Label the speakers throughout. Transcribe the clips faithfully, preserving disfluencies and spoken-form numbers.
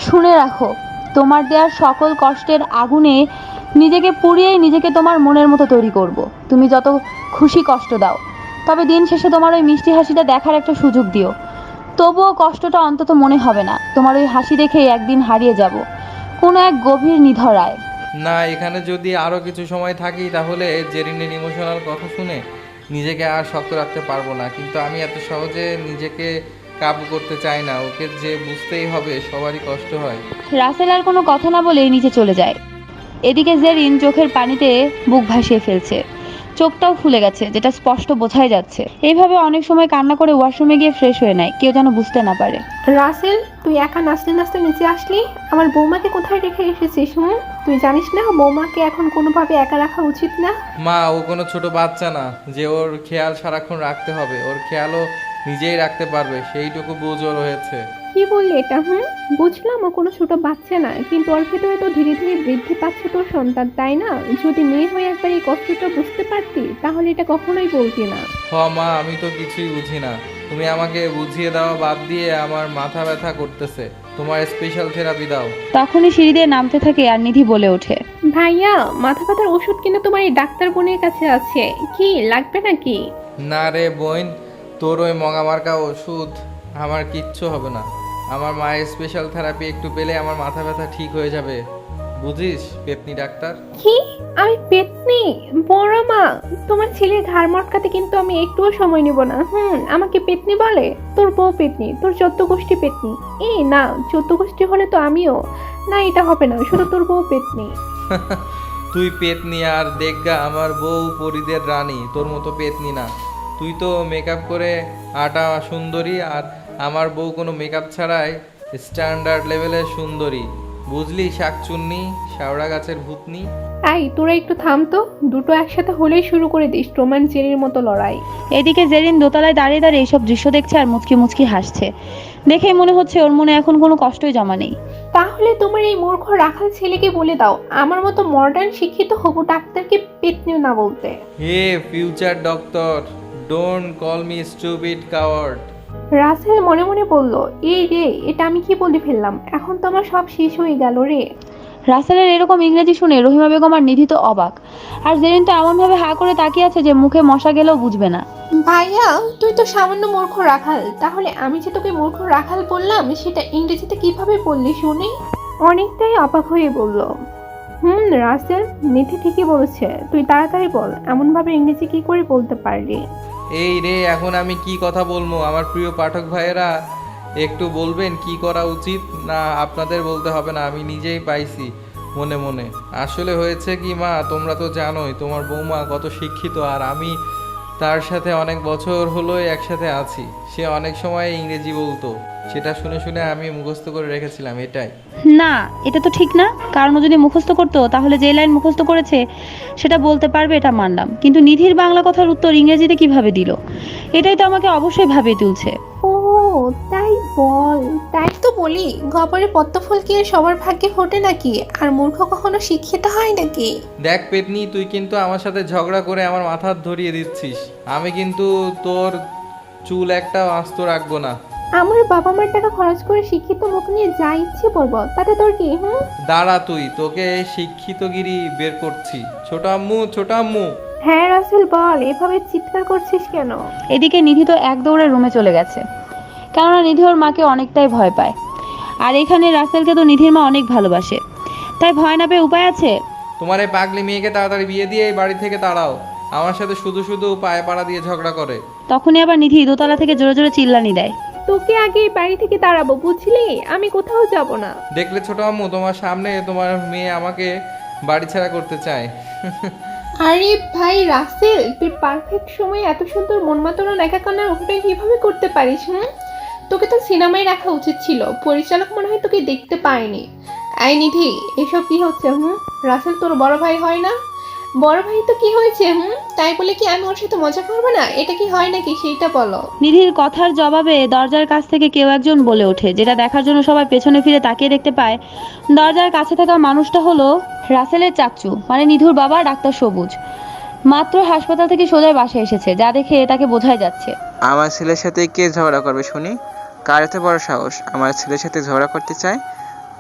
Speaker 1: শুনে রাখো, তোমার দেওয়ার সকল কষ্টের আগুনে নিজেকে পুড়িয়েই নিজেকে তোমার মনের মতো তৈরি করব। তুমি যত খুশি কষ্ট দাও, তবে দিন শেষে তোমার ওই মিষ্টি হাসিটা দেখার একটা সুযোগ দিও। তবুও কষ্টটা অন্তত মনে হবে না। তোমার ওই হাসি দেখেই একদিন হারিয়ে যাব কোনো এক গভীর নিধরায়।
Speaker 2: না, এখানে যদি আরও কিছু সময় থাকি তাহলে জেরিনের ইমোশনাল কথা শুনে নিজেকে আর শক্ত রাখতে পারবো না। কিন্তু আমি এত সহজে নিজেকে কাবু করতে চাই না। ওকে যে বুঝতেই হবে সবারই কষ্ট হয়।
Speaker 1: রাসেল আর কোনো কথা না বলেই নিচে চলে যায়। এদিকে জেরিন চোখের পানিতে বুক ভাসিয়ে ফেলছে, চোখটাও ফুলে গেছে, যেটা স্পষ্ট বোঝাই যাচ্ছে। এইভাবে অনেক সময় কান্না করে ওয়াশরুমে গিয়ে ফ্রেশ হয়ে নেয়, কেউ যেন বুঝতে না পারে।
Speaker 3: রাসেল, তুই একা নাচতে নাচতে নিচে আসলি, আমার বৌমাকে কোথায় রেখে এসেছিস? হুম, তুই জানিস না বৌমাকে এখন কোনোভাবে একা রাখা উচিত না?
Speaker 2: মা, ও কোনো ছোট বাচ্চা না যে ওর খেয়াল সারাক্ষণ রাখতে হবে। ওর খেয়ালও নিজেই রাখতে পারবে, সেইটুকু বুঝ ওর হয়েছে।
Speaker 3: কি বললি এটা? হুম, বুঝলাম ও কোনো ছোট বাচ্চা না, কিন্তু ওর ভেতরে তো ধীরে ধীরে বৃদ্ধি পাচ্ছে তোর সন্তান, তাই না? যদি মেয়ে হয়ে একবার এই কষ্টটা বুঝতে পারতি তাহলে এটা কখনোই বলতি না।
Speaker 2: হ মা, আমি তো কিছুই বুঝি না। তুমি আমাকে বুঝিয়ে দেওয়া বাদ দিয়ে আমার মাথা ব্যথা করতেছে। তোমার স্পেশাল থেরাপি দাও।
Speaker 1: তখনই সিঁড়ি দিয়ে নামতে থাকে আর নিধি বলে ওঠে,
Speaker 3: ভাইয়া, মাথা ব্যথার ওষুধ কিনা তোমার এই ডাক্তার বোনের কাছে আছে, কি লাগবে নাকি?
Speaker 2: না রে বোন, তোর ওই মগামার্কা ওষুধ আমার কিচ্ছু হবে না। আমার মায়ের স্পেশাল থেরাপি একটু পেলে আমার মাথা ব্যথা ঠিক হয়ে যাবে। বুঝিস পেতনি ডাক্তার?
Speaker 3: কি? আমি পেতনি? বড় মা, তোমার ছেলের ঘাড় মটকাতে কিন্তু আমি একটুও সময় নিব না। হুম, আমাকে পেতনি বলে? তোর বউ পেতনি, তোর চোদ্দ গোষ্ঠী পেতনি। এই না, চোদ্দ গোষ্ঠী হলে তো আমিও। না, এটা হবে না, শুধু তোর বউ পেতনি।
Speaker 2: তুই পেতনি আর দেখগা আমার বউ পরিদের রানী, তোর মতো পেতনি না। তুই তো মেকআপ করে আটা সুন্দরী, আর আমার বউ কোনো মেকআপ ছাড়াই স্ট্যান্ডার্ড লেভেলের সুন্দরী। বুঝলি শাকচুন্নি, শাওড়া গাছের ভূতনি?
Speaker 3: এই, তোরা একটু থাম তো। দুটো একসাথে হলেই শুরু করে দিস রোমান জেরির মতো লড়াই।
Speaker 1: এদিকে জেরিন দোতলায় দাঁড়িয়ে দাঁড়িয়ে এইসব দৃশ্য দেখছে আর মুচকি মুচকি হাসছে। দেখেই মনে হচ্ছে ওর মনে এখন কোনো কষ্টই জমা নেই।
Speaker 3: তাহলে তোমার এই মূর্খ রাখাল ছেলেকে বলে দাও আমার মতো মডার্ন শিক্ষিত হবু ডাক্তারকে পেতনি না বলতে।
Speaker 2: Hey future doctor, don't call me stupid coward.
Speaker 3: Rasel মনে মনে বলল, এই রে, এটা আমি কি বলে ফেললাম? এখন তো আমার সব শেষ হয়ে গেল রে।
Speaker 1: রাসেলের এরকম ইংরেজি শুনে রহিমা বেগম আর নিধি তো অবাক, আর জেরিন তো এমনভাবে হা করে তাকিয়ে আছে যে মুখে মশা গেলেও বুঝবে না।
Speaker 3: ভাইয়া, তুই তো সামান্য মূর্খ রাখাল, তাহলে আমি যে তোকে মূর্খ রাখাল বললাম সেটা ইংরেজিতে কিভাবে বললি শুনি? অনেকটাই অবাক হয়ে বলল, হুম রাসেল, নিধি ঠিকই বলেছে, তুই তাড়াতাড়ি বল, এমনভাবে ইংরেজি কি করে বলতে পারলি?
Speaker 2: এই রে, এখন আমি কি কথা বলবো? আমার প্রিয় পাঠক ভাইয়েরা একটু বলবেন কি করা উচিত? না, আপনাদের বলতে হবে না, আমি নিজেই পাইছি মনে মনে। আসলে হয়েছে কি মা, তোমরা তো জানোই তোমার বৌমা কত শিক্ষিত, আর আমি তার সাথে অনেক বছর হলোই একসাথে আছি। সে অনেক সময় ইংরেজি বলতো, সেটা শুনে শুনে আমি মুখস্থ করে রেখেছিলাম, এটাই।
Speaker 1: না, এটা তো ঠিক না। কারণ ও যদি মুখস্থ করতো তাহলে যে লাইন মুখস্থ করেছে সেটা বলতে পারবে, এটা মানলাম, কিন্তু নিধির বাংলা কথার উত্তর ইংরেজিতে কিভাবে দিল? এটাই তো আমাকে অবশ্যই ভাবিয়ে তুলছে।
Speaker 3: ও তাই বল। তাই তো বলি, গবরে পদ্মফুল কি আর সবার ভাগ্যে ফোটে নাকি? আর মূর্খ কখনো শিক্ষিত হয় নাকি?
Speaker 2: দেখ পেতনি, তুই কিন্তু আমার সাথে ঝগড়া করে আমার মাথা ধরিয়ে দিচ্ছিস। আমি কিন্তু তোর চুল একটা আস্ত রাখবো না।
Speaker 3: আমার বাবা মার টাকা খরচ করে শিক্ষিত মুখ নিয়ে যা ইচ্ছে বলবো, তাতে তোর কি? হুম,
Speaker 2: দাঁড়া, তুই তোকে শিক্ষিতগিরি বের করছি। ছোট আম্মু, ছোট আম্মু।
Speaker 3: হ্যাঁ রাসেল বল, এভাবে চিৎকার করছিস কেন?
Speaker 1: এদিকে নিধি তো এক দৌড়ে রুমে চলে গেছে, কেননা নিধি ওর মাকে অনেকটাই ভয় পায়। আর এখানে রাসেলকে তো নিধির মা অনেক ভালোবাসে, তাই ভয় না পেয়ে উপায় আছে?
Speaker 2: তোমার এই পাগলি মেয়েকে তাড়াতাড়ি বিয়ে দিয়ে এই বাড়ি থেকে তাড়াও। আমার সাথে শুধু শুধু পায়ে পাড়া দিয়ে ঝগড়া করে।
Speaker 1: তখনই আবার নিধি দোতলা থেকে জোরে জোরে চিল্লানি দেয়,
Speaker 3: তোকে আগে এই বাড়ি থেকে তাড়াবো, বুঝলি? আমি কোথাও যাব না।
Speaker 2: দেখলে ছোট আম্মু, তোমার সামনে তোমার মেয়ে আমাকে বাড়ি ছাড়া করতে চায়।
Speaker 3: আরে ভাই রাসেল, তুই পারফেক্ট সময়ে এত সুন্দর মন মাতানো একা কান্নার অভিনয় কিভাবে করতে পারিস? হুম, তোকে তো সিনেমায় রাখা উচিত ছিল, পরিচালক মনে হয় তোকে দেখতে পায়নি। আই নিধি, এসব কি হচ্ছে? হুম, রাসেল তোর বড় ভাই হয় না? বড় ভাই তো কি হয়েছে? হুম, তাই বলে কি আমি ওর সাথে মজা করবো না? এটা কি হয় নাকি সেইটা বলো।
Speaker 1: নিধির কথার জবাবে দরজার কাছ থেকে কেউ একজন বলে ওঠে, যেটা দেখার জন্য সবাই পেছনে ফিরে তাকিয়ে দেখতে পায় দরজার কাছে থাকা মানুষটা হলো রাসেলের চাচু, মানে নিধুর বাবা ডাক্তার সবুজ। মাত্র হাসপাতাল থেকে সোজা বাসায় এসেছে, যা দেখে তাকে বোঝাই যাচ্ছে।
Speaker 4: আমার ছেলের সাথে কে ঝগড়া করবে শুনি? কার এত বড় সাহস আমার ছেলের সাথে ঝগড়া করতে চায়?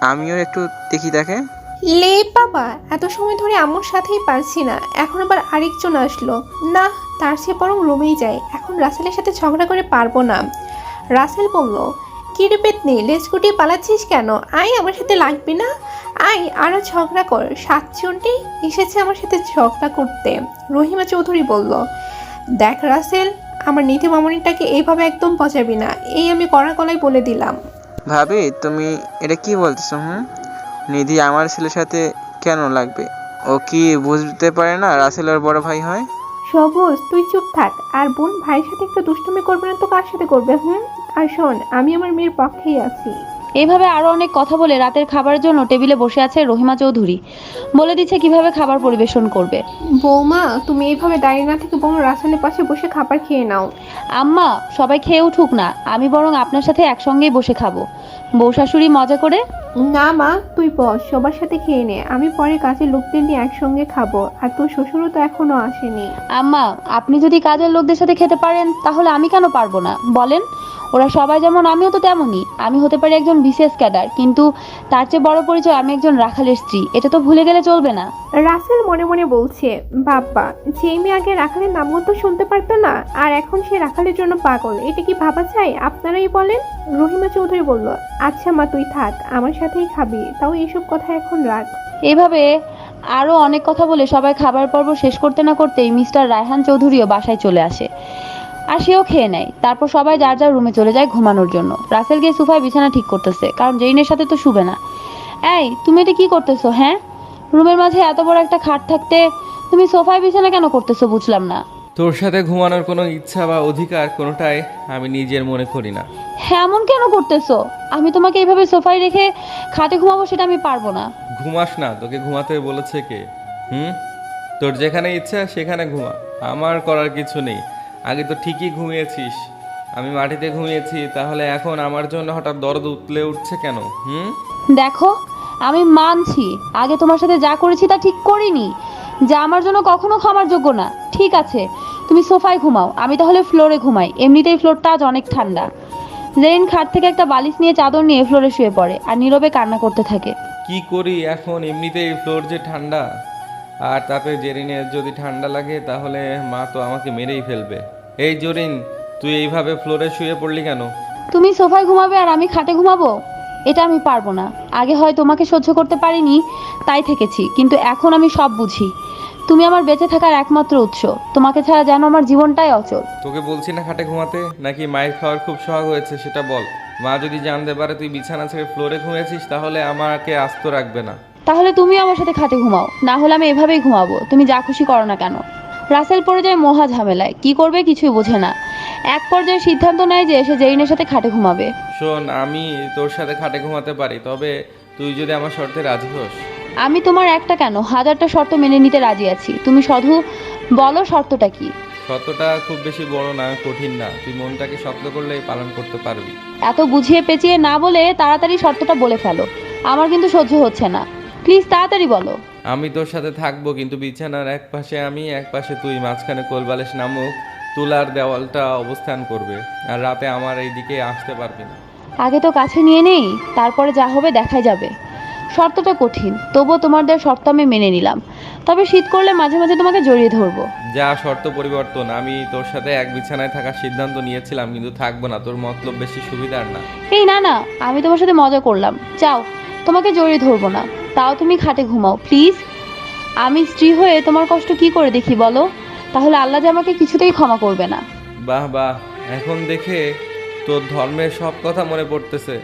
Speaker 4: আমিও একটু দেখি তাকে।
Speaker 3: লে বাবা, এত সময় ধরে আম্মুর সাথেই পারছি না, এখন আবার আরেকজন আসলো। না, তার চেয়ে বরং রুমেই যাই, এখন রাসেলের সাথে ঝগড়া করে পারবো না। রাসেল বলল, কি রে পেতনি, লেজ গুটিয়ে পালাচ্ছিস কেন? আয় আমার সাথে লাগবি না, আয় আরো ঝগড়া কর। সাতজনটি এসেছে আমার সাথে ঝগড়া করতে। রহিমা চৌধুরী বলল, দেখ রাসেল, আমার নীতি মামনিটাকে এইভাবে একদম পচাবি না, এই আমি কড়া গলায় বলে দিলাম।
Speaker 4: ভাবি তুমি এটা কি বলতেছো? হুম, নিধি আমার ছেলের সাথে কেন লাগবে? ও কি বুঝতে পারে না রাসেল ওর বড় ভাই হয়?
Speaker 3: সবুজ, তুই চুপ থাক। আর বোন ভাইয়ের সাথে একটু দুষ্টুমি করবে না তো কার সাথে করবে? হুম, আর শোন, আমি আমার মেয়ের পক্ষেই আছি।
Speaker 1: এইভাবে আরও অনেক কথা বলে রাতের খাবারের জন্য টেবিলে বসে আছে রহিমা চৌধুরী। বলে দিচ্ছে কিভাবে খাবার পরিবেশন করবে।
Speaker 3: বৌমা, তুমি এইভাবে দাঁড়িয়ে না থেকে বরং রাসেলের পাশে বসে খাবার খেয়ে নাও।
Speaker 1: আম্মা, সবাই খেয়ে উঠুক না, আমি বরং আপনার সাথে একসঙ্গেই বসে খাবো। বউ শাশুড়ি মজা করে।
Speaker 3: না মা, তুই বস, সবার সাথে খেয়ে নে, আমি পরে কাজের লোকদের নিয়ে একসঙ্গে খাবো। আর তোর শ্বশুরও তো এখনো আসেনি।
Speaker 1: আম্মা, আপনি যদি কাজের লোকদের সাথে খেতে পারেন তাহলে আমি কেন পারবো না বলেন? ওরা সবাই যেমন আমিও তো তেমনই। আমি হতে পারি একজন বিসিএস ক্যাডার, কিন্তু তার চেয়ে বড় পরিচয় আমি একজন রাখালের স্ত্রী। এটা তো ভুলে গেলে চলবে না।
Speaker 3: রাসেল মনে মনে বলছে, বাবা, যে মেয়ে আগে রাখালের নামও তো শুনতে পারতো না, আর এখন সে রাখালের জন্য পাগল, এটা কি ভাবা যায়? আপনারাই বলেন। রহিমা চৌধুরী বলল, আচ্ছা মা, তুই থাক, আমার সাথেই খাবি, তাও এইসব কথা এখন রাখ।
Speaker 1: এভাবে আরও অনেক কথা বলে সবাই খাবার পর্ব শেষ করতে না করতেই মিস্টার রায়হান চৌধুরীও বাসায় চলে আসে, আর সেও খেয়ে নেয়। তারপর সবাই যার যার রুমে চলে যায় ঘুমানোর জন্য। রাসেল গিয়ে সোফায় বিছানা ঠিক করতেছে, কারণ জেইনের সাথে তো শুবে না। এই, তুমি এটা কি করতেছো? হ্যাঁ, রুমের মাঝে এত বড় একটা খাট থাকতে তুমি সোফায় বিছানা কেন করতেছো বুঝলাম না।
Speaker 2: তোর সাথে ঘুমানোর কোনো ইচ্ছা বা অধিকার কোনোটাই আমি নিজের মনে করি না।
Speaker 1: হ্যাঁ, এমন কেন করতেছো? আমি তোমাকে এইভাবে সোফায় রেখে খাটে ঘুমাবো সেটা আমি পারবো না।
Speaker 2: ঘুমাস না, তোকে ঘুমাতে বলেছে কে? হুম, তোর যেখানে ইচ্ছা সেখানে ঘুমা, আমার করার কিছু নেই। আগে তো ঠিকই ঘুমিয়েছিস, আমি মাটিতে ঘুমিয়েছি, তাহলে এখন আমার জন্য হঠাৎ দরদ উতলে উঠছে কেন? হুম,
Speaker 1: দেখো, আমি মানছি আগে তোমার সাথে যা করেছি তা ঠিক করিনি, যা আমার জন্য কখনো ক্ষমার যোগ্য না। ঠিক আছে, তুমি সোফায় ঘুমাও, আমি তাহলে ফ্লোরে ঘুমাই, এমনিতেই ফ্লোরটা আজ অনেক ঠান্ডা। জেরিন খাট থেকে একটা বালিশ নিয়ে চাদর নিয়ে ফ্লোরে শুয়ে পড়ে আর নীরবে কান্না করতে থাকে।
Speaker 2: কি করি এখন? এমনিতেই ফ্লোর যে ঠান্ডা, আর তাতে জেরিনের যদি ঠান্ডা লাগে তাহলে মা তো আমাকে মেরেই ফেলবে। এই জরিন, তুই এইভাবে ফ্লোরে শুয়ে পড়লি কেন?
Speaker 1: তুমি সোফায় ঘুমাবে আর আমি খাটে ঘুমাবো? এটা আমি পারবো না। আগে হয় তোমাকে সহ্য করতে পারিনি তাই থেকেছি, কিন্তু এখন আমি সব বুঝি। তুমি আমার বেঁচে থাকার একমাত্র উৎস, তোমাকে ছাড়া যেন আমার জীবনটাই অচল।
Speaker 2: তোকে বলছি না খাটে ঘুমাতে, নাকি মায়ের খাওয়ার খুব শখ হয়েছে সেটা বল। মা যদি জানতে পারে তুই বিছানা ছেড়ে ফ্লোরে ঘুমিয়েছিস তাহলে আমাকে আস্ত রাখবে না।
Speaker 1: তাহলে তুমিও আমার সাথে খাটে ঘুমাও, না হলে আমি এভাবেই ঘুমাবো, তুমি যা খুশি করো না কেন। রাসেল পড়ে যায় মহা ঝামেলায়, কি করবে কিছুই বোঝে না। এক পর্যায়ে সিদ্ধান্ত নেয় যে সে জেরিনের সাথে খাটে ঘুমাবে।
Speaker 2: শোন, আমি তোর সাথে খাটে ঘুমাতে পারি, তবে তুই যদি আমার শর্তে রাজি হোস।
Speaker 1: আমি তোমার একটা কেন হাজারটা শর্ত মেনে নিতে রাজি আছি, তুমি শুধু বলো শর্তটা কি।
Speaker 2: শর্তটা খুব বেশি বড় না, কঠিন না, তুই মনটাকে শক্ত করলেই পালন করতে পারবি।
Speaker 1: এত বুঝিয়ে পেঁচিয়ে না বলে তাড়াতাড়ি শর্তটা বলে ফেলো, আমার কিন্তু সহ্য হচ্ছে না। প্লিজ তাড়াতাড়ি বলো।
Speaker 2: আমি তোর সাথে থাকবো, কিন্তু বিছানার এক পাশে আমি, এক পাশে তুই, মাঝখানে কোলবালিশ নামক তুলার দেওয়ালটা অবস্থান করবে, আর রাতে আমার এই দিকে আসতে পারবি না।
Speaker 1: আগে তো কাছে নিয়ে নেই, তারপরে যা হবে দেখাই যাবে। শর্তটা কঠিন, তবুও তোমার দেওয়ার শর্ত আমি মেনে নিলাম। তবে শীত করলে মাঝে মাঝে তোমাকে জড়িয়ে ধরবো।
Speaker 2: যা শর্ত পরিবর্তন, আমি তোর সাথে এক বিছানায় থাকার সিদ্ধান্ত নিয়েছিলাম, কিন্তু থাকবো না, তোর মতলব বেশি সুবিধার না।
Speaker 1: এই না না, আমি তোমার সাথে মজা করলাম, যাও, তোমাকে জড়িয়ে ধরবো না, তাও তুমি খাটে ঘুমাও প্লিজ। আমি স্ত্রী হয়ে তোমার কষ্ট কি করে দেখি বলো? তাহলে আল্লাহ যে আমাকে কিছুতেই ক্ষমা করবে না।
Speaker 2: বাহ বাহ, এখন দেখে তোর ধর্মের সব কথা মনে পড়তেছে।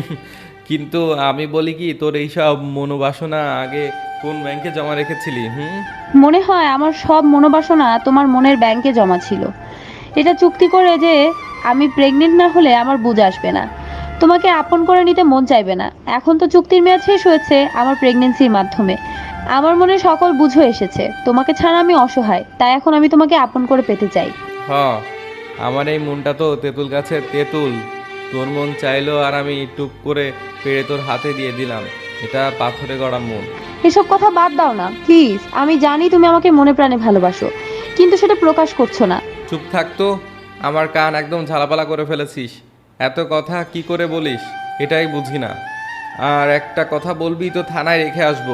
Speaker 2: কিন্তু আমি বলি কি, তোর এইসব মনোবাসনা আগে কোন ব্যাংকে জমা রেখেছিলি? হুম,
Speaker 1: মনে হয় আমার সব মনোবাসনা তোমার মনের ব্যাংকে জমা ছিল। এটা চুক্তি করে যে আমি প্রেগনেন্ট না হলে আমার বুঝ আসবে না, তোমাকে আপন করে নিতে মন চাইবে না। এখন তো চুক্তির মেয়াদ শেষ হয়েছে আমার প্রেগনেন্সির মাধ্যমে। আমার মনে সকল বুঝো এসেছে, তোমাকে ছাড়া আমি অসহায়, তাই এখন আমি তোমাকে আপন করে পেতে চাই।
Speaker 2: হ, আমার এই মনটা তো তেঁতুল গাছের তেঁতুল, তোর মন চাইলো আর আমি টুক করে পেড়ে তোর হাতে দিয়ে দিলাম। এটা পাথরে গড়া মন।
Speaker 1: এসব কথা বাদ দাও না প্লিজ। আমি জানি তুমি আমাকে মনে প্রাণে ভালোবাসো, কিন্তু সেটা প্রকাশ করছো না।
Speaker 2: চুপ থাকতো, আমার কান একদম ঝালাপালা করে ফেলেছিস। এত কথা কি করে বলিস এটাই বুঝি না। আর একটা কথা বলবি তো থানায় রেখে আসবো।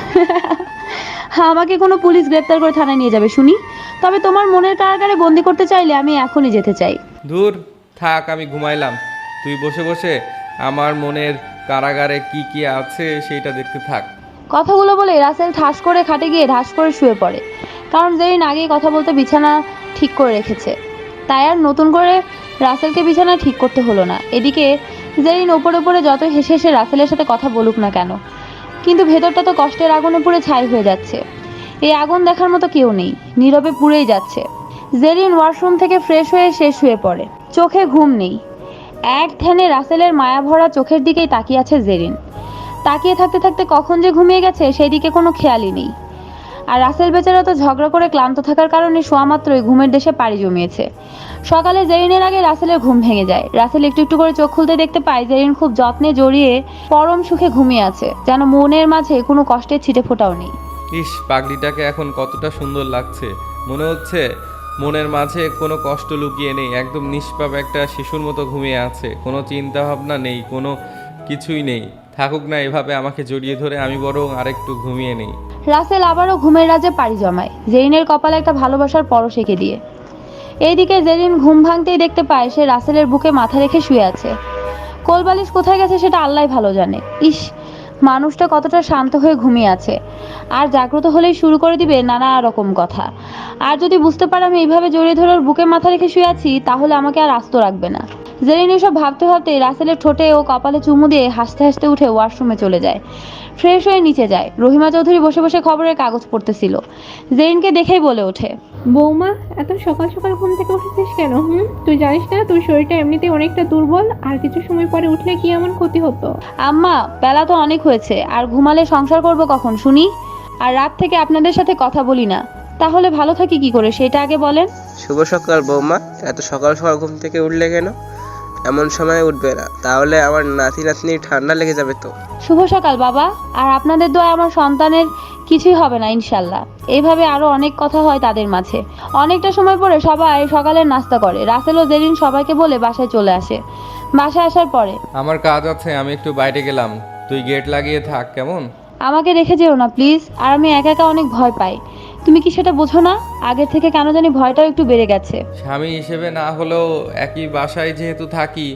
Speaker 1: হ্যাঁ, আমাকে কোনো পুলিশ গ্রেপ্তার করে থানায় নিয়ে যাবে শুনি? তবে তোমার মনের কারাগারে বন্দি করতে চাইলে আমি এখনই যেতে চাই।
Speaker 2: ধুর, থাক, আমি ঘুমাইলাম। তুই বসে বসে আমার মনের কারাগারে কি কি আছে সেইটা দেখতে থাক।
Speaker 1: কথাগুলো বলে রাসেল ঠাস করে খাটে গিয়ে ঢাস করে শুয়ে পড়ে, কারণ জেরিন আগেই কথা বলতে বিছানা ঠিক করে রেখেছে, তাই আর নতুন করে রাসেলকে বিছানা ঠিক করতে হলো না। এদিকে জেরিন ওপরে ওপরে যত হেসে হেসে রাসেলের সাথে কথা বলুক না কেন, কিন্তু ভেতরটা তো কষ্টের আগুনে পুড়ে ছাই হয়ে যাচ্ছে। এই আগুন দেখার মতো কেউ নেই, নীরবে পুড়েই যাচ্ছে। জেরিন ওয়াশরুম থেকে ফ্রেশ হয়ে সে শুয়ে পড়ে, চোখে ঘুম নেই। এক ধ্যানে রাসেলের মায়া ভরা চোখের দিকেই তাকিয়ে আছে জেরিন। তাকিয়ে থাকতে থাকতে কখন যে ঘুমিয়ে গেছে সেই দিকে কোনো খেয়ালই নেই। আর রাসেল বেচারা তো ঝগড়া করে ক্লান্ত থাকার কারণে শোয়া মাত্রই ঘুমের দেশে পাড়ি জমিয়েছে। সকালে জেরিনের আগে রাসেলের ঘুম ভেঙে যায়। রাসেল একটু একটু করে চোখ খুলতে দেখতে পায় জেরিন খুব যত্নে জড়িয়ে পরম সুখে ঘুমিয়ে আছে, যেন মনের মাঝে কোনো কষ্টের ছিটে ফোঁটাও নেই।
Speaker 2: ইস, পাগলিটাকে এখন কতটা সুন্দর লাগছে। মনে হচ্ছে মনের মাঝে কোনো কষ্ট লুকিয়ে নেই, একদম নিষ্পাপ একটা শিশুর মতো ঘুমিয়ে আছে। কোনো চিন্তা ভাবনা নেই, কোনো কিছুই নেই। থাকুক না এভাবে আমাকে জড়িয়ে ধরে, আমি বরং আরেকটু ঘুমিয়ে নেই।
Speaker 1: রাসেল আবারও ঘুমের রাজ্যে পাড়ি জমায়, জেরিনের কপালে একটা ভালোবাসার পরশ এঁকে দিয়ে। এইদিকে জেরিন ঘুম ভাঙতেই দেখতে পায় সে রাসেলের বুকে মাথা রেখে শুয়ে আছে। কোলবালিশ কোথায় গেছে সেটা আল্লাহ ভালো জানে। ইস, মানুষটা কতটা শান্ত হয়ে ঘুমিয়ে আছে, আর জাগ্রত হলেই শুরু করে দিবে নানা রকম কথা। আর যদি বুঝতে পারে আমি এইভাবে জড়িয়ে ধরে ওর বুকে মাথা রেখে শুয়ে আছি, তাহলে আমাকে আর আস্ত রাখবে না। জেরিন এসব ভাবতে ভাবতে রাসেলের ঠোঁটে ও কপালে চুমু দিয়ে হাসতে হাসতে উঠে ওয়াশরুমে চলে যায়। ফ্রেশ হয়ে নিচে যায়। রহিমা চৌধুরী বসে বসে খবরের কাগজ পড়তেছিল। জেরিনকে দেখেই বলে ওঠে,
Speaker 3: বৌমা, এত সকাল সকাল ঘুম থেকে উঠেছিস কেন? হুম, তুই জানিস না তোর শরীরটা এমনিতেই অনেকটা দুর্বল, আর কিছু সময় পরে উঠলে কি এমন ক্ষতি হতো?
Speaker 1: আম্মা, বেলা তো অনেক হয়েছে, আর ঘুমালে সংসার করব কখন শুনি? আর রাত থেকে আপনাদের সাথে কথা বলি না, তাহলে ভালো থাকি কি করে সেটা আগে বলেন।
Speaker 4: শুভ সকাল বৌমা। এত সকাল সকাল ঘুম থেকে উঠলে কেন? এমন সময় উঠবে না, তাহলে আমার নাতি নাতনি ঠান্ডা লেগে যাবে তো।
Speaker 1: শুভ সকাল বাবা, আর আপনাদের দোয়া আমার সন্তানের কিছুই হবে না ইনশাল্লাহ। এইভাবে আরো অনেক কথা হয় তাদের মাঝে। অনেকটা সময় পরে সবাই সকালের নাস্তা করে। রাসেল ও জেরিন সবাইকে বলে বাসায় চলে আসে। বাসায় আসার পরে,
Speaker 2: আমার কাজ আছে, আমি একটু বাইরে গেলাম, তুই গেট লাগিয়ে থাক কেমন?
Speaker 1: আমাকে রেখে যেও না প্লিজ, আর আমি একা একা অনেক ভয় পাই। তুমি কি সেটা বোঝো না? আগের থেকে কেন জানি ভয়টাও একটু বেড়ে গেছে।
Speaker 2: স্বামী হিসেবে না হলেও একই বাসায় যেহেতু থাকি,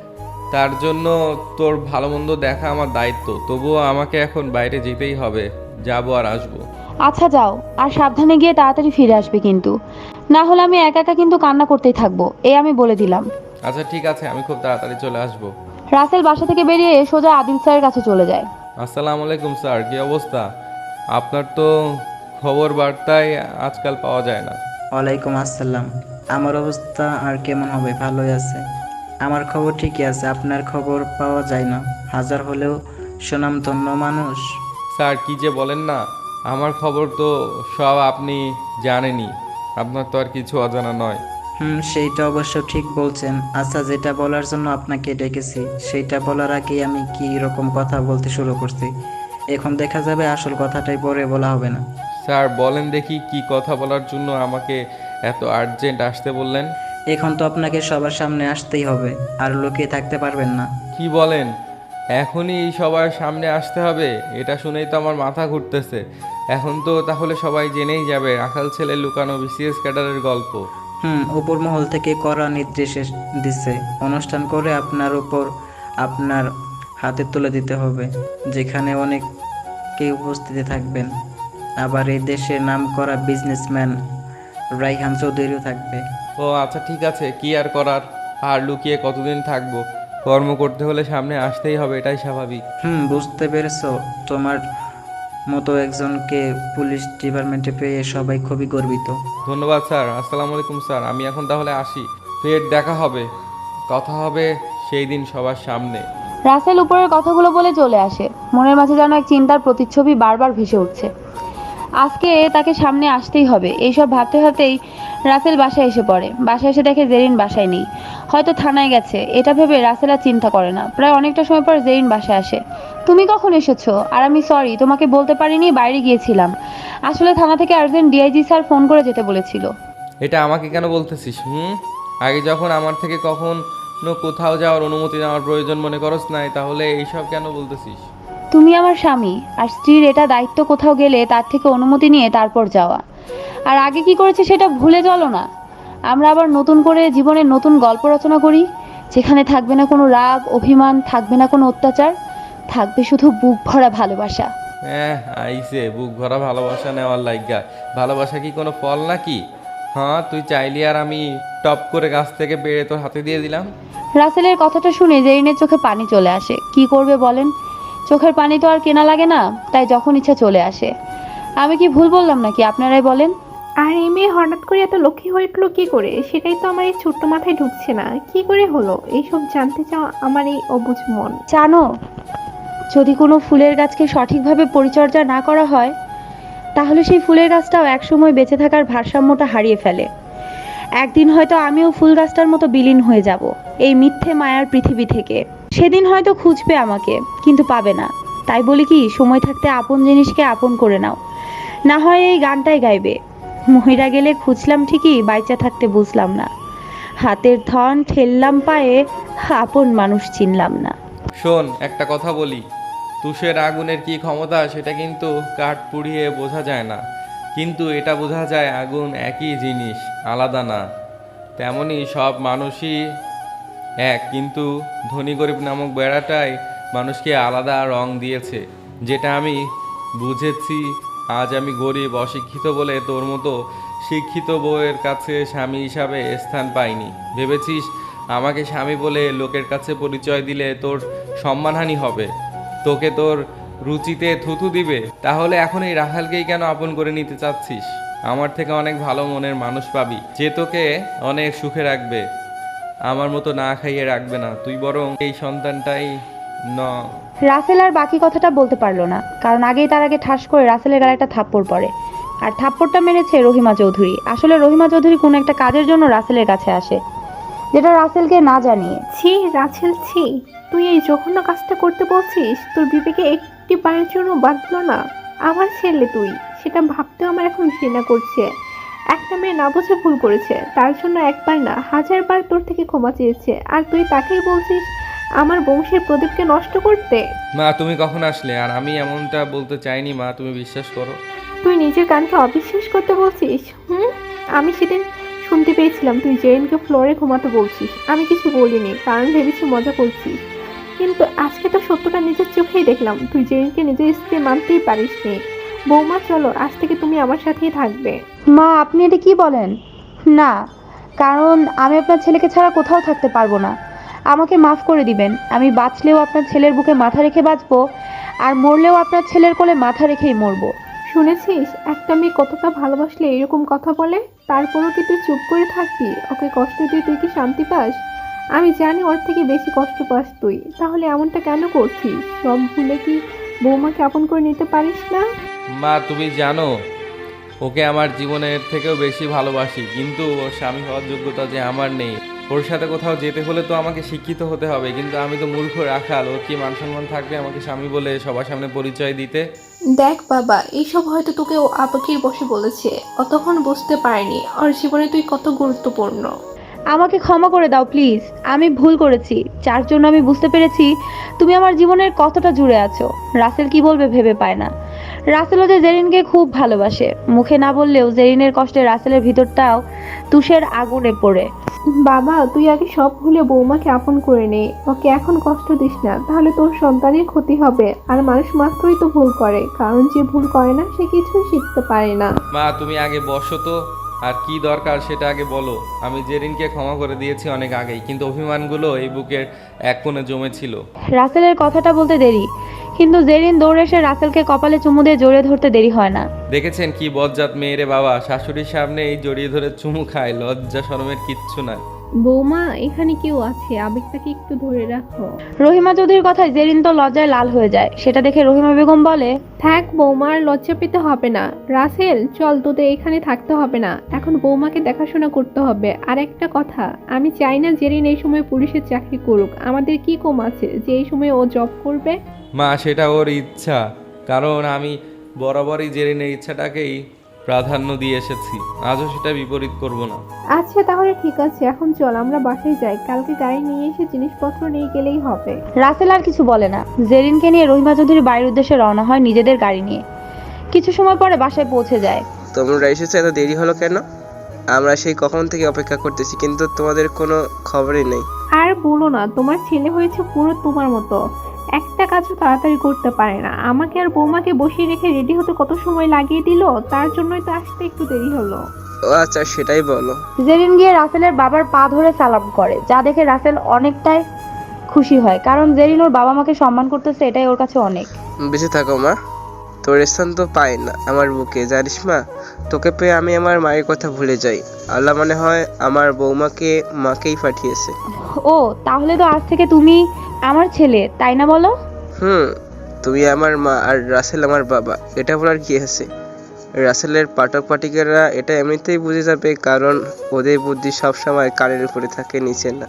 Speaker 2: তার জন্য তোর ভালো মন্দ দেখা আমার দায়িত্ব। তবুও আমাকে এখন বাইরে যেতেই হবে, যাবো আর আসবো।
Speaker 1: আচ্ছা যাও, আর সাবধানে গিয়ে তাড়াতাড়ি ফিরে আসবে কিন্তু, না হলে আমি একা একা কিন্তু কান্না করতেই থাকবো, এই আমি বলে দিলাম।
Speaker 2: আচ্ছা ঠিক আছে, আমি খুব তাড়াতাড়ি চলে আসবো।
Speaker 1: রাসেল বাসা থেকে বেরিয়ে সোজা আদিল স্যারের কাছে চলে যায়।
Speaker 2: আসসালামু আলাইকুম স্যার, কি অবস্থা? আপনার তো খবর বার্তায় আজকাল পাওয়া যায় না।
Speaker 5: ওয়ালাইকুম আসসালাম। আমার অবস্থা আর কেমন হবে, ভালোই আছে। আমার খবর ঠিকই আছে, আপনার খবর পাওয়া যায় না। হাজার হলেও সুনামধন্য মানুষ।
Speaker 2: স্যার কি যে বলেন না, আমার খবর তো সব আপনি জানেনই, আপনার তো আর কিছু অজানা নয়।
Speaker 5: হুম, সেইটা অবশ্য ঠিক বলছেন। আচ্ছা, যেটা বলার জন্য আপনাকে ডেকেছি সেইটা বলার আগেই আমি কি রকম কথা বলতে শুরু করছি। এখন দেখা যাবে আসল কথাটাই পরে বলা হবে না।
Speaker 2: স্যার বলেন দেখি, কি কথা বলার জন্য আমাকে এত আর্জেন্ট আসতে বললেন?
Speaker 5: এখন তো আপনাকে সবার সামনে আসতেই হবে, আর লুকিয়ে থাকতে পারবেন না।
Speaker 2: কি বলেন, এখনই সবার সামনে আসতে হবে? এটা শুনেই তো আমার মাথা ঘুরতেছে। এখন তো তাহলে সবাই জেনেই যাবে রাখাল ছেলে লুকানো বিসিএস ক্যাডারের গল্প।
Speaker 5: হুম, উপর মহল থেকে কড়া নির্দেশ এস- দিচ্ছে। অনুষ্ঠান করে আপনার উপর আপনার হাতে তুলে দিতে হবে, যেখানে অনেকেই উপস্থিতি থাকবেন। আবার এই দেশের নাম করা বিজনেসম্যান রাইহান চৌধুরীও থাকবে।
Speaker 2: ও আচ্ছা ঠিক আছে, কি আর করার, আর লুকিয়ে কতদিন থাকবো? কর্ম করতে হলে সামনে আসতেই হবে, এটাই স্বাভাবিক।
Speaker 5: হুম, বুঝতে পেরেছো? তোমার মতো একজনকে পুলিশ ডিপার্টমেন্টে পেয়ে সবাই খুবই গর্বিত।
Speaker 2: ধন্যবাদ স্যার। আসসালামু আলাইকুম স্যার, আমি এখন তাহলে আসি। ফের দেখা হবে, কথা হবে সেই দিন সবার সামনে।
Speaker 1: রাসেল উপরের কথাগুলো বলে চলে আসে। মনের মাঝে যেন এক চিন্তার প্রতিচ্ছবি বারবার ভেসে উঠছে। আজকে তাকে সামনে আসতেই হবে, এইসব ভাবতে ভাবতেই রাসেল বাসায় এসে পড়ে। বাসায় এসে দেখে জেরিন বাসায় নেই, হয়তো থানায় গেছে। এটা ভেবে রাসেল আর চিন্তা করে না। প্রায় অনেকটা সময় পর জেরিন বাসায় আসে। তুমি কখন এসেছো? আর আমি সরি, তোমাকে বলতে পারিনি, বাইরে গিয়েছিলাম। আসলে থানা থেকে আর্জেন্ট ডিআইজি স্যার ফোন করে যেতে বলেছিল।
Speaker 2: এটা আমাকে কেন বলতেছিস? হুম, আগে যখন আমার থেকে কখন কোথাও যাওয়ার অনুমতি নেওয়ার প্রয়োজন মনে করস নাই, তাহলে এইসব কেন বলতেছিস?
Speaker 1: তুমি আমার স্বামী, আর স্ত্রীর এটা দায়িত্ব কোথাও গেলে তার থেকে অনুমতি নিয়ে তারপর যাওয়া। আর আগে কি করেছে সেটা ভুলে চলো না। আমরা আবার নতুন করে জীবনের নতুন গল্প রচনা করি, যেখানে থাকবে না কোনো রাগ অভিমান, থাকবে না কোনো অত্যাচার, থাকবে শুধু বুক ভরা ভালোবাসা।
Speaker 2: হ্যাঁ, আইসে বুক ভরা ভালোবাসা নেওয়ার লাইগা। ভালোবাসা কি কোনো ফল নাকি? হ্যাঁ, তুই চাইলি আর আমি টপ করে গাছ থেকে পেড়ে তোর হাতে দিয়ে দিলাম।
Speaker 1: রাসেলের কথাটা শুনে জেরিনের চোখে পানি চলে আসে। কি করবে বলেন, চোখের পানি তো আর কেনা লাগে না, তাই যখন ইচ্ছা চলে আসে। আমি কি ভুল বললাম নাকি, আপনারাই বলেন।
Speaker 3: আর এই মেয়ে হঠাৎ করে এত লক্ষ্মী হয়ে উঠলো কি করে, সেটাই তো আমার এই ছোট্ট মাথায় ঢুকছে না। কি করে হলো এইসব জানতে চাও আমার এই অবুঝ মন।
Speaker 1: জানো, যদি কোনো ফুলের গাছকে সঠিকভাবে পরিচর্যা না করা হয়, তাহলে সেই ফুলের গাছটাও একসময় বেঁচে থাকার ভারসাম্যটা হারিয়ে ফেলে। একদিন হয়তো আমিও ফুল গাছটার মতো বিলীন হয়ে যাব এই মিথ্যে মায়ার পৃথিবী থেকে। সেদিন হয়তো খুঁজবে আমাকে, কিন্তু পাবে না। তাই বলি কি, সময় থাকতে আপন জিনিসকে আপন করে নাও, না হয় এই গানটাই গাইবে, মহিরা গেলে খুঁজলাম ঠিকই, বাইচা থাকতে বুঝলাম না, হাতের ধন ঠেললাম পায়ে, আপন মানুষ চিনলাম না।
Speaker 2: শোন, একটা কথা বলি, তুষের আগুনের কি ক্ষমতা সেটা কিন্তু কাঠ পুড়িয়ে বোঝা যায় না, কিন্তু এটা বোঝা যায় আগুন একই জিনিস, আলাদা না। তেমনি সব মানুষই এক, কিন্তু ধনী গরিব নামক বেড়াটাই মানুষকে আলাদা রং দিয়েছে, যেটা আমি বুঝেছি। আজ আমি গরিব অশিক্ষিত বলে তোর মতো শিক্ষিত বউয়ের কাছে স্বামী হিসাবে স্থান পাইনি। ভেবেছিস আমাকে স্বামী বলে লোকের কাছে পরিচয় দিলে তোর সম্মানহানি হবে, তোকে তোর রুচিতে থুথু দিবে? তাহলে এখন এই রাখালকেই কেন আপন করে নিতে চাচ্ছিস? আমার থেকে অনেক ভালো মনের মানুষ পাবি, যে তোকে অনেক সুখে রাখবে, আমার মতো না খাইয়ে রাখবে না। তুই বরং এই সন্তানটাই ন।
Speaker 1: রাসেল আর বাকি কথাটা বলতে পারলো না, কারণ আগেই তার আগে ঠাস করে রাসেলের গালে একটা থাপ্পড় পড়ে। আর থাপ্পড়টা মেরেছে রহিমা চৌধুরী। আসলে রহিমা চৌধুরী কোনো একটা কাজের জন্য রাসেলের কাছে আসে, যেটা রাসেলকে না জানিয়ে।
Speaker 3: ছি রাছেল, ছি, তুই এই জঘন্য কাজটা করতে বলছিস? তোর বিবেকে একটি পায়ের জন্য বাঁধলো না? আমার ছেলে তুই, সেটা ভাবতেও আমার এখন ঘৃণা করছে। একটা মেয়ে না বুঝে ভুল করেছে, তার জন্য একবার না হাজারবার তোর থেকে ক্ষমা চেয়েছে, আর তুই তাকেই বলছিস আমার বংশের প্রদীপকে নষ্ট করতে?
Speaker 2: মা, তুমি কখন আসলে? আর আমি এমনটা বলতে চাইনি মা, তুমি বিশ্বাস করো।
Speaker 3: তুই নিজের কানকে অবিশ্বাস করতে বলছিস? হুম, আমি সেদিন শুনতে পেয়েছিলাম তুই জেরিনকে ফ্লোরে ঘুমাতে বলছিস। আমি কিছু বলিনি, কারণ ভেবেছি মজা করছিস, কিন্তু আজকে তো সত্যটা নিজের চোখেই দেখলাম। তুই জেরিনকে নিজের স্ত্রী মানতেই পারিস নি। বৌমা চলো, আজ থেকে তুমি আমার সাথেই থাকবে।
Speaker 1: মা, আপনি এটা কি বলেন? না, কারণ আমি আপনার ছেলেকে ছাড়া কোথাও থাকতে পারবো না। আমাকে মাফ করে দিবেন। আমি বাঁচলেও আপনার ছেলের বুকে মাথা রেখে বাঁচবো, আর মরলেও আপনার ছেলের কোলে মাথা রেখেই মরবো।
Speaker 3: শুনেছিস একটা মেয়ে কতটা ভালোবাসলে এরকম কথা বলে? তারপরও কি তুই চুপ করে থাকবি? ওকে কষ্ট দিয়ে তুই কি শান্তি পাস? আমি জানি ওর থেকে বেশি কষ্ট পাস তুই, তাহলে এমনটা কেন করছিস? সব ভুলে কি বৌমাকে আপন করে নিতে পারিস না?
Speaker 2: মা, তুমি জানো ওকে আমার জীবনের থেকেও বেশি ভালোবাসি, কিন্তু ওর স্বামী হওয়ার যোগ্যতা যে আমার নেই। ওর সাথে কোথাও যেতে হলে তো আমাকে শিক্ষিত হতে হবে, কিন্তু আমি তো মূর্খ রাখাল। ওর কি মান সম্মান থাকবে আমাকে স্বামী বলে সবার সামনে পরিচয় দিতে?
Speaker 3: দেখ বাবা, এইসব হয়তো তোকে ও আবেগের বশে বলেছে, ও তখন বুঝতে পারেনি ওর জীবনে তুই কত গুরুত্বপূর্ণ।
Speaker 1: আমাকে ক্ষমা করে দাও প্লিজ, আমি ভুল করেছি, যার জন্য আমি বুঝতে পেরেছি তুমি আমার জীবনের কতটা জুড়ে আছো। রাসেল কি বলবে ভেবে পায় না। রাসেলও যে জেরিনকে খুব ভালোবাসে, মুখে না বললেও জেরিনের কষ্টে রাসেলের ভিতরটাও তুষের আগুনে পড়ে।
Speaker 3: বাবা, তুই আগে সব ভুলে বৌমাকে আপন করে নে, ওকে এখন কষ্ট দিস না, তাহলে তোর সন্তানের ক্ষতি হবে। আর মানুষ মাত্রই তো ভুল করে, কারণ যে ভুল করে না সে কিছুই শিখতে পারে না।
Speaker 2: মা, তুমি আগে বসো তো, আর কি দরকার সেটা আগে বলো। আমি জেরিনকে ক্ষমা করে দিয়েছি অনেক আগেই, কিন্তু অভিমানগুলো এই বুকের এক কোণে জমেছিল।
Speaker 1: রাসেলের কথাটা বলতে দেরি, কিন্তু জেরিন দৌড়ে এসে রাসেলকে কপালে চুমু দিয়ে জড়িয়ে ধরতে দেরি হয় না।
Speaker 2: দেখেছেন কি বজ্জাত মেয়েরে বাবা, শাশুড়ির সামনে এই জড়িয়ে ধরে চুমু খায়, লজ্জা শরমের কিচ্ছু নাই।
Speaker 3: বৌমা, এখানে কেউ আছে, আবেগটাকে একটু ধরে রাখো।
Speaker 1: রহিমা চৌধুরীর কথায় জেরিন তো লজ্জায় লাল হয়ে যায়। সেটা দেখে রহিমা বেগম বলে,
Speaker 3: থাক বৌমা, আর লজ্জা পেতে হবে না। রাসেল চল, তোদের এখানে থাকতে হবে না, এখন বৌমাকে দেখাশোনা করতে হবে। আর একটা কথা, আমি চাই না জেরিন এই সময় পুলিশের চাকরি করুক। আমাদের কি কম আছে যে এই সময় ও জব করবে?
Speaker 2: মা, সেটা ওর ইচ্ছা, কারণ আমি বরাবরই জেরিনের ইচ্ছাটাকেই প্রাধান্য দিয়ে এসেছি, আজও সেটা বিপরীত করব না।
Speaker 3: আচ্ছা তাহলে ঠিক আছে, এখন চল আমরা বাসায় যাই, কালকে গাড়ি নিয়ে এসে জিনিসপত্র নিয়ে গেলেই হবে।
Speaker 1: রাসেল আর কিছু বলে না। জেরিনকে নিয়ে রহিমা চৌধুরী বাড়ির উদ্দেশ্যে রওনা হয় নিজেদের গাড়ি নিয়ে। কিছু সময় পরে বাসায় পৌঁছে যায়।
Speaker 4: তোমরা এসেছো, এত দেরি হলো কেন? আমরা সেই কখন থেকে অপেক্ষা করতেছি, কিন্তু তোমাদের কোনো খবরই নেই।
Speaker 3: আর বলো না, তোমার ছেলে হয়েছে পুরো তোমার মতো, একটা কাজও তাড়াতাড়ি করতে পারে না। আমাকে আর বৌমাকে বসিয়ে রেখে রেডি হতে কত সময় লাগিয়ে দিল, তার জন্যই তো আসতে একটু দেরি হলো।
Speaker 4: ও আচ্ছা, সেটাই বলো।
Speaker 1: জেরিন গিয়ে রাসেলের বাবার পা ধরে সালাম করে, যা দেখে রাসেল অনেকটাই খুশি হয়, কারণ জেরিন ওর বাবা মাকে সম্মান করতেছে, এটাই ওর কাছে অনেক।
Speaker 4: বেঁচে থাকো মা, তোর স্থান তো পাই না আমার বুকে, জানিস মা। তোকে পেয়ে আমি আমার মায়ের কথা ভুলে যাই। আল্লাহ মনে হয় আমার বৌমাকে মাকেই পাঠিয়েছে।
Speaker 1: ও তাহলে তো আজ থেকে তুমি আমার ছেলে, তাই না বলো?
Speaker 4: হুম, তুমি আমার মা আর রাসেল আমার বাবা, এটা বলার কি আছে? রাসেলের পাঠক পাঠিকারা এটা এমনিতেই বুঝে যাবে, কারণ ওদের বুদ্ধি সবসময় কানের উপরে থাকে, নিচে না।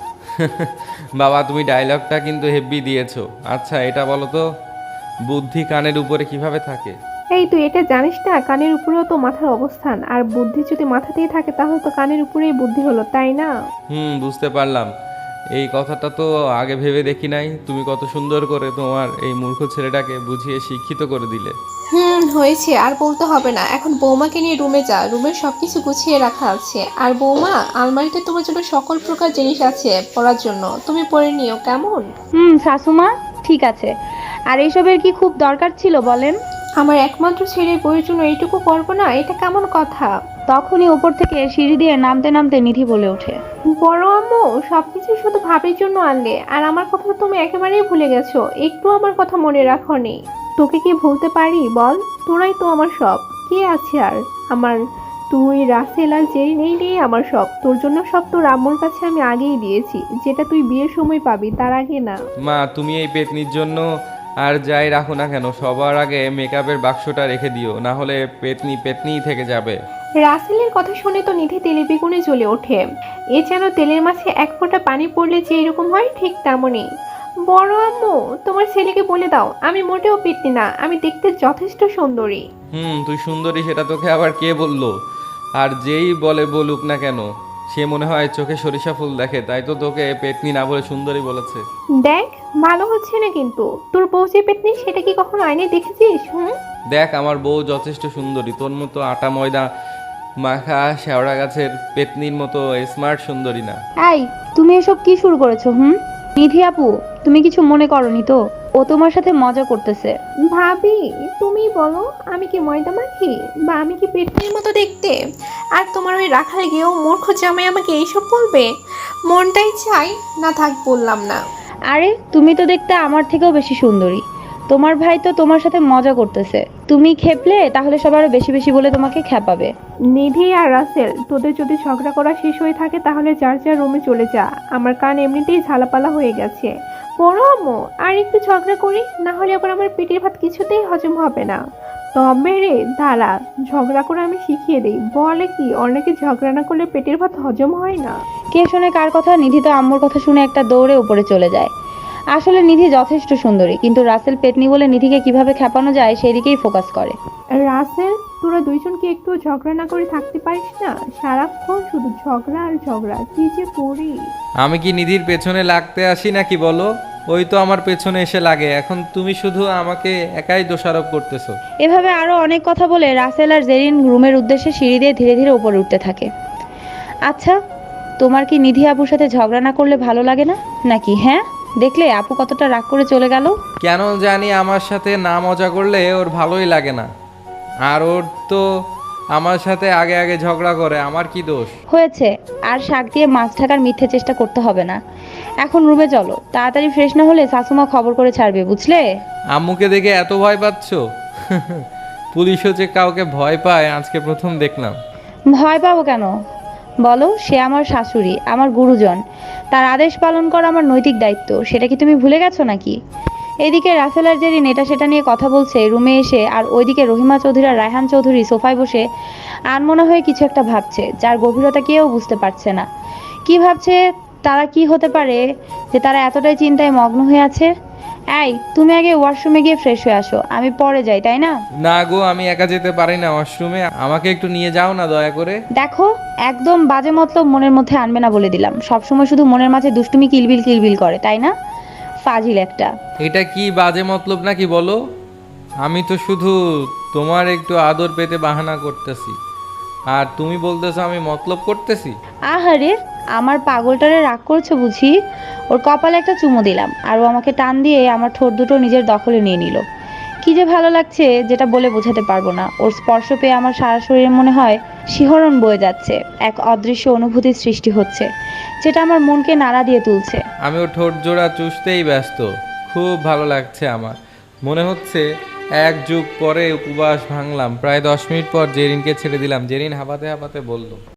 Speaker 2: বাবা, তুমি ডায়লগটা কিন্তু হেভি দিয়েছো। আচ্ছা এটা বলো তো, বুদ্ধি কানের উপরে কিভাবে থাকে?
Speaker 3: এই তুই এটা জানিস না, কানের উপরেও তো মাথার অবস্থান, আর বুদ্ধি যদি মাথাতেই থাকে তাহলে তো কানের উপরেই বুদ্ধি হলো, তাই না?
Speaker 2: হুম, বুঝতে পারলাম। এই কথাটা তো আগে ভেবে দেখি নাই। তুমি কত সুন্দর করে তোমার এই মূর্খ ছেলেটাকে বুঝিয়ে শিক্ষিত করে দিলে।
Speaker 3: হুম, হয়েছে, আর বলতে হবে না। এখন বৌমাকে নিয়ে রুমে যা, রুমের সবকিছু গুছিয়ে রাখা আছে। আর বৌমা, আলমারিতে তোমার জন্য সকল প্রকার জিনিস আছে পড়ার জন্য, তুমি পড়ে নিও, কেমন?
Speaker 1: হুম শাশুমা, ঠিক আছে। আর এইসবের কি খুব দরকার ছিল বলেন?
Speaker 3: আমার একমাত্র ছেলের বইয়ের জন্য এইটুকু করবো না, এটা কেমন কথা?
Speaker 1: তখনই উপর থেকে সিঁড়ি দিয়ে নামতে নামতে নিধি বলে ওঠে,
Speaker 3: বড় আম্মু, সবকিছু শুধু ভাবির জন্য আনলে, আর আমার কথা তুমি একেবারেই ভুলে গেছো, একটু আমার কথা মনে রাখোনি। তোকে কি ভুলতে পারি বল? তোরাই তো আমার সব, কে আছে আর আমার? তুই, রাসেল আর জেরিন, এই নিয়ে আমার সব। তোর জন্য সব তোর আম্মুর কাছে আমি আগেই দিয়েছি, যেটা তুই বিয়ের সময় পাবি, তার আগে না।
Speaker 2: মা, তুমি এই পেতনির জন্য আর যাই রাখো না কেন, সবার আগে মেকআপের বাক্সটা রেখে দিও, না হলে পেতনি পেতনিই থেকে যাবে।
Speaker 3: রাসেলের কথা শুনে তো নিধি তেলে বেগুনে জ্বলে ওঠে। এ যেন তেলের মাঝে এক ফোঁটা পানি পড়লে যে এরকম হয়, ঠিক তেমনই। বড় আম্মু, তোমার ছেলেকে বলে দাও আমি মোটেও পেতনি না, আমি দেখতে যথেষ্ট সুন্দরী।
Speaker 2: হুম, তুই সুন্দরী সেটা তোকে আবার কে বললো? আর যেই বলে বলুক না কেন, সে মনে হয় চোখে সরিষা ফুল দেখে, তাই তো তোকে পেতনি না বলে সুন্দরী বলেছে।
Speaker 3: দেখ, ভালো হচ্ছে না কিন্তু। তোর বউ যে পেতনি, সেটা কি কখনো আইনে দেখেছিস? হুম।
Speaker 2: দেখ, আমার বউ যথেষ্ট সুন্দরী, তোর মতো আটা ময়দা মাখা শেওড়া গাছের পেতনির মতো স্মার্ট সুন্দরী না।
Speaker 1: এই তুমি এসব কি শুরু করেছো? হুম নিধি আপু, তুমি কিছু মনে করনি তো? ও তোমার সাথে মজা করতেছে।
Speaker 3: ভাবি, তুমি বলো, আমি কি ময়দা মাখি, বা আমি কি পেতনির মতো দেখতে? আর তোমার ওই রাখাল গিয়েও মূর্খ জামাই আমাকে এইসব বলবে? মনটাই চাই না, থাক বললাম না।
Speaker 1: আরে তুমি তো দেখতে আমার থেকেও বেশি সুন্দরী। তোমার ভাই তো তোমার সাথে মজা করতেছে, তুমি খেপলে তাহলে সবার বেশি বেশি বলে তোমাকে খেপাবে।
Speaker 3: নিধি আর রাসেল, তোদের যদি ঝগড়া করা শেষ হয়ে থাকে তাহলে যার যার রুমে চলে যা, আমার কান এমনিতেই ঝালাপালা হয়ে গেছে। বড় আম্মু, আর একটু ঝগড়া করি, না হলে আবার আমার পেটের ভাত কিছুতেই হজম হবে না। তবে রে দাঁড়া, ঝগড়া করে আমি শিখিয়ে দিই। বলে কি, অনেকে ঝগড়া না করলে পেটের ভাত হজম হয় না।
Speaker 1: কে শোনে কার কথা? নিধি তো আম্মুর কথা শুনে একটা দৌড়ে উপরে চলে যায়। আসলে নিধি যথেষ্ট সুন্দরী, কিন্তু রাসেল পেতনি বলে নিধিকে কিভাবে খেপানো যায় সেই দিকেই ফোকাস করে।
Speaker 3: রাসেল, তোরা দুইজন কি একটু ঝগড়া না করে থাকতে পারিস না? সারাক্ষণ শুধু ঝগড়া আর ঝগড়া, কি যে করি।
Speaker 2: আমি কি নিধির পেছনে লাগতে আসি নাকি বলো? ওই তো আমার পেছনে এসে লাগে। এখন তুমি শুধু আমাকে একাই দোষারোপ করতেছো।
Speaker 1: এভাবে আরো অনেক কথা বলে রাসেল আর জেরিন রুমের উদ্দেশ্যে সিঁড়ি দিয়ে ধীরে ধীরে উপরে উঠতে থাকে। আচ্ছা, তোমার কি নিধি আপুর সাথে ঝগড়া না করলে ভালো লাগে না নাকি? হ্যাঁ, দেখলে আপু কতটা রাগ করে চলে গেল।
Speaker 2: কেন জানি আমার সাথে না মজা করলে ওর ভালোই লাগে না, আর ওর তো আমার সাথে আগে আগে ঝগড়া করে, আমার কি দোষ?
Speaker 1: হয়েছে, আর শাক দিয়ে মাছ ঢাকার মিথ্যে চেষ্টা করতে হবে না। এখন রুমে চলো, তাড়াতাড়ি ফ্রেশ না হলে শাশুমা খবর করে ছাড়বে, বুঝলে?
Speaker 2: আম্মুকে দেখে এত ভয় পাচ্ছ? পুলিশও যে কাউকে ভয় পায় আজকে প্রথম দেখলাম।
Speaker 1: ভয় পাবো কেন বলো? সে আমার শাশুড়ি, আমার গুরুজন, তার আদেশ পালন করা আমার নৈতিক দায়িত্ব। সেটা কি তুমি ভুলে গেছো নাকি? এদিকে রাসেল আর জেরিন এটা সেটা নিয়ে কথা বলছে রুমে এসে, আর ওইদিকে রহিমা চৌধুরী আর রায়হান চৌধুরী সোফায় বসে আনমনা হয়ে কিছু একটা ভাবছে, যার গভীরতা কেউ বুঝতে পারছে না। কি ভাবছে তারা? কি হতে পারে যে তারা এতটাই চিন্তায় মগ্ন হয়ে আছে? এই তুমি আগে ওয়াশরুমে গিয়ে ফ্রেশ হয়ে আসো, আমি পরে যাই, তাই না?
Speaker 2: না গো, আমি একা যেতে পারি না ওয়াশরুমে, আমাকে একটু নিয়ে যাও না দয়া করে।
Speaker 1: দেখো, একদম বাজে মতলব মনের মধ্যে আনবে না বলে দিলাম। সবসময় শুধু মনের মাঝে দুষ্টুমি কিলবিল কিলবিল করে, তাই না? ফাজিল একটা।
Speaker 2: এটা কি বাজে মতলব নাকি বলো? আমি তো শুধু তোমার একটু আদর পেতে বাহানা করতেছি, আর তুমি বলতেছো আমি মতলব করতেছি।
Speaker 1: আহারে, আমার পাগলটারে রাগ করছো বুঝি? ওর কপালে একটা চুমু দিলাম, আর ও আমাকে টান দিয়ে আমার ঠোঁট দুটো নিজের দখলে নিয়ে নিল। কি যে ভালো লাগছে যেটা বলে বোঝাতে পারবো না। ওর স্পর্শ পেয়ে আমার সারা শরীরে মনে হয় শিহরণ বয়ে যাচ্ছে, এক অদৃশ্য অনুভূতির সৃষ্টি হচ্ছে যেটা আমার মনকে নাড়া দিয়ে তুলছে।
Speaker 2: আমি ও ঠোঁট জোড়া চুষতেই ব্যস্ত। খুব ভালো লাগছে আমার, মনে হচ্ছে এক যুগ পরে উপবাস ভাঙলাম। প্রায় দশ মিনিট পর জেরিনকে ছেড়ে দিলাম। জেরিন হাঁপাতে হাঁপাতে বলল,